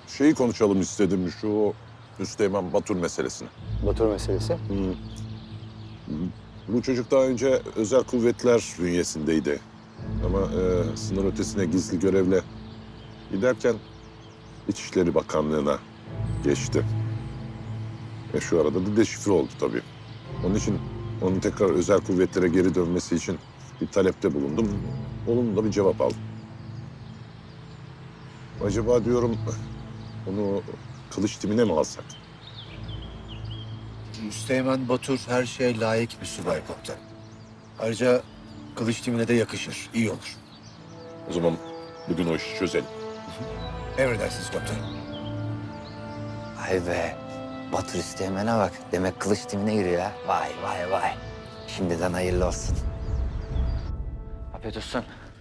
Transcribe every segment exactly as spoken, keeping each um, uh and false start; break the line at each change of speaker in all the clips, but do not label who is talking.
şeyi konuşalım istedim, şu Müsteğmen Batur meselesini.
Batur meselesi.
Hı. Bu çocuk daha önce özel kuvvetler bünyesindeydi. Ama e, sınır ötesine gizli görevle giderken İçişleri Bakanlığı'na geçti. E şu arada da deşifre oldu tabii. Onun için onun tekrar özel kuvvetlere geri dönmesi için bir talepte bulundum. Olumlu da bir cevap aldım. Acaba diyorum onu kılıç timine mi alsak?
Müsteğmen Batur her şeye layık bir subay komutan. Ayrıca kılıç timine de yakışır, iyi olur.
O zaman bugün o işi çözelim.
Emredersiniz komutanım.
Vay be. Batur Üsteğmen'e bak. Demek kılıç timine giriyor ha. Vay vay vay. Şimdiden hayırlı olsun. Afiyet olsun.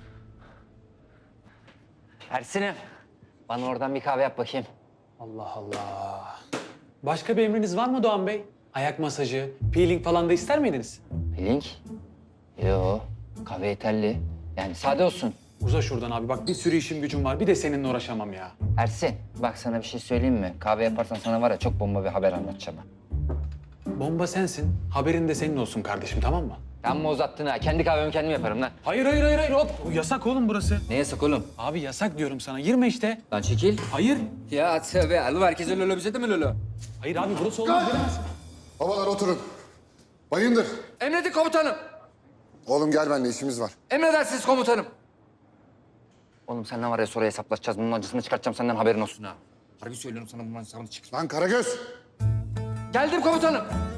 Ersin'im. Bana oradan bir kahve yap bakayım.
Allah Allah. Başka bir emriniz var mı Doğan Bey? Ayak masajı, peeling falan da ister miydiniz?
Peeling? Yo. Kahve yeterli. Yani sade olsun.
Uza şuradan abi. Bak bir sürü işim gücüm var. Bir de seninle uğraşamam ya.
Ersin, bak sana bir şey söyleyeyim mi? Kahve yaparsan sana var ya çok bomba bir haber anlatacağım ben.
Bomba sensin. Haberin de senin olsun kardeşim, tamam mı?
Amma uzattın ha. Kendi kahvemi kendim yaparım lan.
Hayır, hayır, hayır, hayır. Hop. Yasak oğlum burası.
Ne yasak oğlum?
Abi yasak diyorum sana. Girme işte.
Lan çekil.
Hayır.
Ya tövbe. Alı herkese lolo bize de mi lolo?
Hayır abi burası olmaz. Giremezsin.
Babalar oturun. Bayındır.
Emredin komutanım.
Oğlum gel benimle işimiz var.
Emredersiniz komutanım. Oğlum senden var ya sonra hesaplaşacağız. Bunun acısını çıkartacağım senden haberin olsun ha. Harbi söylüyorum sana bunun hesabını çık.
Lan Karagöz.
Geldim komutanım.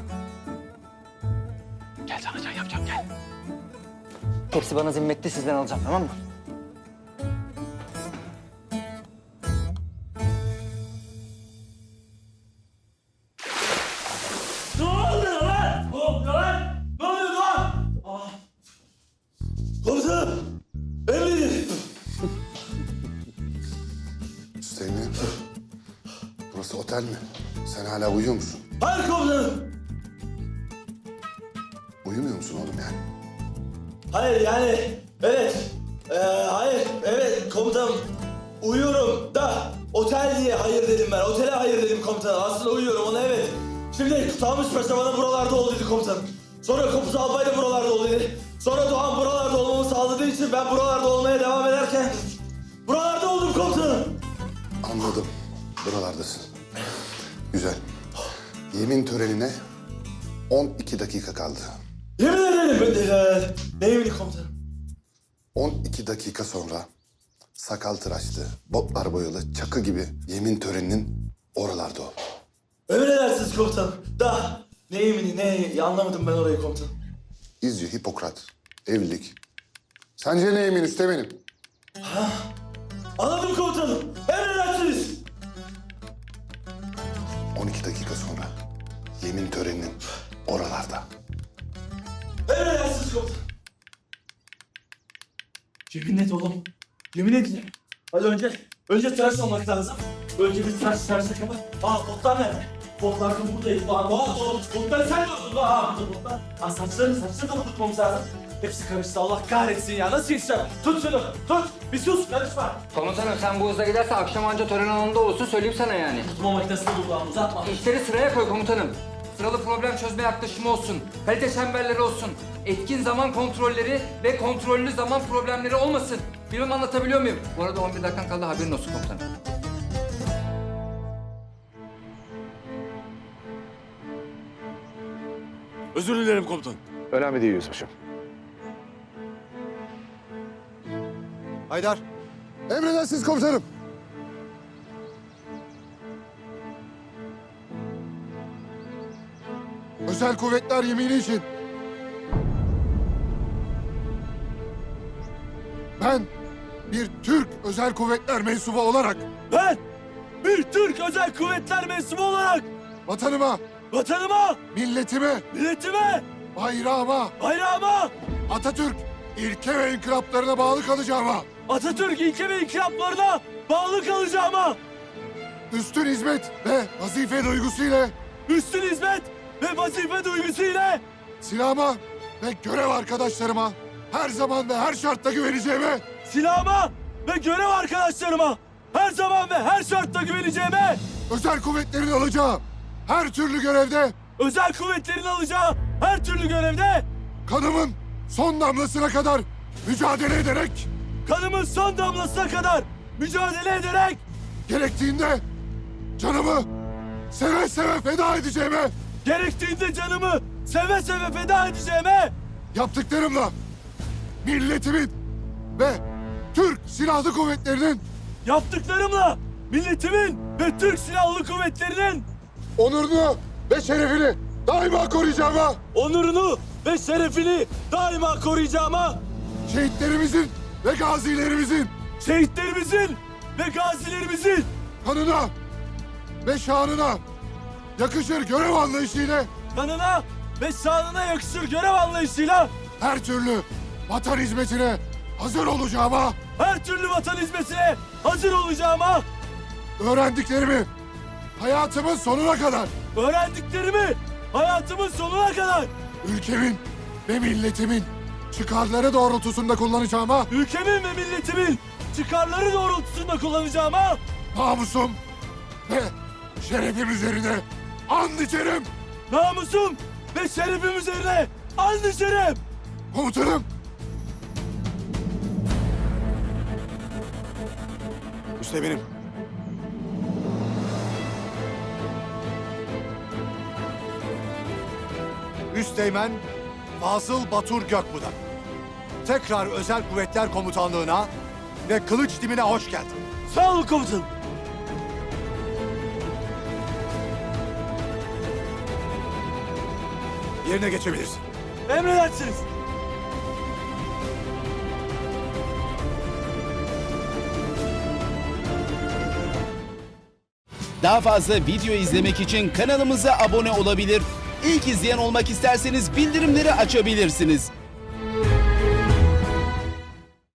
Gel sana can yapacağım, gel.
Hepsi bana zimmetli sizden alacağım tamam mı?
Ne oluyor lan? Ne oluyor lan? Ne oluyor lan? Ah. Komutanım! Emredin!
Hüseyin'im. Burası otel mi? Sen hala uyuyor musun?
Hayır komutanım!
Uyumuyor musun oğlum yani?
Hayır yani, evet. Ee, hayır, evet komutanım. Uyuyorum da otel diye hayır dedim ben. Otele hayır dedim komutanım. Aslında uyuyorum ona evet. Şimdi Tanmış Paşa bana buralarda ol dedi komutanım. Sonra Kopuz Albay da buralarda ol dedi. Sonra Doğan buralarda olmamı sağladığı için ben buralarda olmaya devam ederken buralarda oldum komutanım.
Anladım. Buralardasın. Güzel. Yemin törenine on iki dakika kaldı.
Yemin ederim ben de ee, ne yemini komutanım?
on iki dakika sonra sakal tıraşlı, botlar boyalı, çakı gibi yemin töreninin oralarda ol.
Emredersiniz komutanım. Da ne yemini ne anlamadım ben orayı komutanım.
İzci, Hipokrat, evlilik. Sence ne yemin Üsteğmen'im?
Anladım komutanım. Emredersiniz.
on iki dakika sonra yemin töreninin oralarda.
Emredersiniz komutanım. Yemin et oğlum. Yemin et. Hadi önce, önce tıraş olmak lazım. Önce bir tıraş tıraş takımı. Aa botlar nerede? Botlar da buradayız. Aa bot, bot, botları sen de oldun. Aa burada botlar. Aa saçlarını, saçlarını da unutmamız lazım. Hepsi karıştı. Allah kahretsin ya. Nasıl yetişeceğim? Tut şunu, tut. Bir sus, karışma.
Komutanım sen bu hızla giderse akşam anca tören alanında olursun söyleyeyim sana yani.
Tutma makinesini buradan uzatma.
İşleri sıraya koy komutanım. Sıralı problem çözme yaklaşımı olsun. Kalite çemberleri olsun. Etkin zaman kontrolleri ve kontrollü zaman problemleri olmasın. Bilmem anlatabiliyor muyum? Bu arada on bir dakikan kaldı haberin olsun komutanım.
Özür dilerim komutanım.
Önemli değil yüzbaşım.
Haydar. Emredersiniz komutanım. Özel kuvvetler yemini için ben bir Türk özel kuvvetler mensubu olarak
Ben bir Türk Özel Kuvvetler mensubu olarak
vatanıma,
vatanıma,
milletime,
milletime,
bayrağıma,
bayrağıma,
Atatürk ilke ve inkılaplarına bağlı kalacağıma,
Atatürk ilke ve inkılaplarına bağlı kalacağıma,
üstün hizmet ve vazife duygusuyla
üstün hizmet ve vazife duygusuyla
silahıma ve görev arkadaşlarıma her zaman ve her şartta güveneceğime
silahıma ve görev arkadaşlarıma her zaman ve her şartta güveneceğime,
Özel kuvvetlerin alacağı her türlü görevde
özel kuvvetlerin alacağı her türlü görevde
kanımın son damlasına kadar mücadele ederek,
kanımın son damlasına kadar mücadele ederek,
gerektiğinde canımı seve seve feda edeceğime,
gerektiğinde canımı seve seve feda edeceğime,
yaptıklarımla milletimin ve Türk Silahlı Kuvvetleri'nin
yaptıklarımla milletimin ve Türk Silahlı Kuvvetleri'nin
onurunu ve şerefini daima koruyacağıma,
onurunu ve şerefini daima koruyacağıma,
şehitlerimizin ve gazilerimizin
şehitlerimizin ve gazilerimizin
kanına ve şanına yakışır görev anlayışıyla
kanına ve şanına yakışır görev anlayışıyla
her türlü vatan hizmetine hazır olacağıma,
her türlü vatan hizmetine hazır olacağıma,
öğrendiklerimi hayatımın sonuna kadar
öğrendiklerimi hayatımın sonuna kadar
ülkemin ve milletimin çıkarları doğrultusunda kullanacağıma,
ülkemin ve milletimin çıkarları doğrultusunda kullanacağıma,
namusum ve şerefim üzerine and içerim.
namusum ve şerefim üzerine and içerim.
Komutanım,
Üsteğmenim.
Üsteğmen Fazıl Batur Gökbudak. Tekrar Özel Kuvvetler Komutanlığı'na ve kılıç timine hoş geldin.
Sağ olun komutanım.
Yerine geçebilirsin.
Emredersiniz.
Daha fazla video izlemek için kanalımıza abone olabilir. İlk izleyen olmak isterseniz bildirimleri açabilirsiniz.